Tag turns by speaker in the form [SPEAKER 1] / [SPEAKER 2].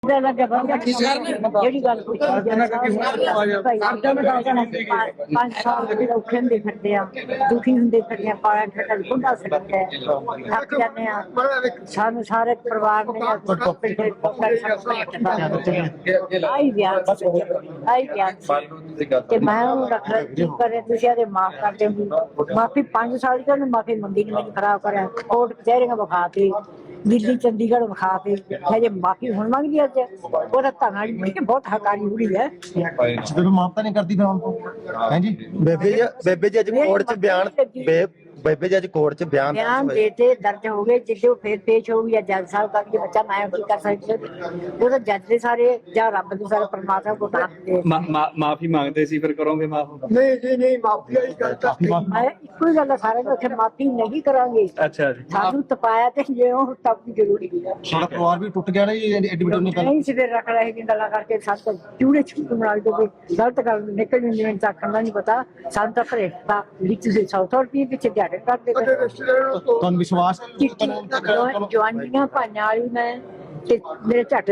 [SPEAKER 1] ਜਿਹੜੀ ਗੱਲ ਪੁੱਛੀ ਪੰਜ ਸਾਲ ਔਖੇ ਹੁੰਦੇ ਫਿਰਦੇ ਆ, ਦੁਖੀ ਹੁੰਦੇ ਫਿਰਦੇ ਆ, ਪਾਲਾ ਠੱਡਾ ਬੁੱਢਾ ਸਕਦਾ ਹੈ, ਥੱਕ ਜਾਂਦੇ ਆ। ਸਾਨੂੰ ਸਾਰੇ ਪਰਿਵਾਰ ਨੇ ਆਈ ਵਿਆਹ ਤੇ ਮੈਂ ਉਹਨੂੰ ਰੱਖ ਕਰੇ ਤੁਸੀਂ ਆਦੇ ਮਾਫ ਕਰ ਦਿਓ। ਮਾਫੀ 5 ਸਾਲ ਦੀ ਉਹਨੇ ਮਾਫੀ ਮੰਗੀ ਨੀ, ਮੈਨੂੰ ਖਰਾਬ ਕਰਿਆ, ਕੋਰਟ ਕਚਹਿਰੀਆਂ ਵਿਖਾ ਕੇ, ਦਿੱਲੀ ਚੰਡੀਗੜ੍ਹ ਵਿਖਾ ਕੇ ਹਜੇ ਮਾਫੀ ਹੁਣ ਮੰਗਦੀ ਅੱਜ। ਉਹਦਾ ਧੰਨਾ ਬਹੁਤ ਹਕਾਰੀ ਬੁੜੀ ਹੈ।
[SPEAKER 2] ਜਦੋਂ ਮਾਫਤਾ ਨਹੀਂ ਕਰਦੀ ਫਿਰ ਹੁਣ ਤੋਂ ਹੈ ਜੀ।
[SPEAKER 3] ਬੇਬੇ ਜੀ ਅੱਜ ਕੋਰਟ 'ਚ ਬਿਆਨ ਬੇਬੇ ਜੀ ਅੱਜ ਕੋਰਟ 'ਚ ਬਿਆਨ
[SPEAKER 1] ਦੇਤੇ ਦਰਜ ਹੋ ਗਏ। ਜਿੱਦੇ ਫਿਰ ਪੇਸ਼ ਹੋਊਗੀ ਜਾਂ ਜੱਜ ਸਾਹਿਬ ਕਰਕੇ ਬੱਚਾ ਮੈਂ ਕੀ ਕਰ ਸਕਦੀ। ਉਹ ਤਾਂ ਜੱਜ ਦੇ ਸਾਰੇ ਜਾਂ ਰੱਬ ਦੇ ਸਾਰੇ ਪਰਮਾਤਮਾ ਕੋ
[SPEAKER 4] ਮਾਫੀ ਮੰਗਦੇ ਸੀ, ਫਿਰ ਕਰੋਗੇ ਮਾਫ?
[SPEAKER 5] ਨਹੀਂ ਜੀ ਨਹੀਂ, ਮਾਫੀ ਵਾਲੀ ਗੱਲ ਤਾਂ
[SPEAKER 1] ਮੈਂ ਇੱਕੋ ਹੀ ਗੱਲ ਸਾਰੇ ਨੂੰ ਉੱਥੇ ਮਾਫੀ ਨਹੀਂ ਕਰਾਂਗੇ।
[SPEAKER 4] ਅੱਛਾ ਜੀ,
[SPEAKER 1] ਸਾਨੂੰ ਤਪਾਇਆ ਤੇ ਜੇ ਉਹ ਤਪ ਜ਼ਰੂਰੀ ਹੈ।
[SPEAKER 2] ਸਾਡਾ ਪਰਿਵਾਰ ਵੀ ਟੁੱਟ ਗਿਆ ਨਾ ਜੀ ਐਡਮਿਟ ਨਹੀਂ ਕਰ
[SPEAKER 1] ਨਹੀਂ ਸਿਰ ਰੱਖ ਰਹੇ ਕਿ ਗੱਲਾਂ ਕਰਕੇ ਸੱਤ ਚੂੜੇ ਛੁੱਟ ਬਣਾ ਕੇ ਗਲਤ ਗੱਲ ਨਿਕਲ ਜਾਂਦੀ ਹੈ। ਤਾਂ ਕਰਨਾ ਨਹੀਂ ਪਤਾ ਸਾਨੂੰ ਤਾਂ ਭਰੇਖਤਾ ਵਿੱਚ ਤੁਸੀਂ 100 ਰੁਪਏ ਪਿੱਛੇ ਦਿਹਾੜੇ ਕਰਦੇ
[SPEAKER 2] ਤੁਹਾਨੂੰ ਵਿਸ਼ਵਾਸ
[SPEAKER 1] ਜਵਾਨੀਆਂ ਭਾਈਆਂ ਵਾਲੀ ਮੈਂ ਤੇ ਮੇਰੇ ਝੱਟ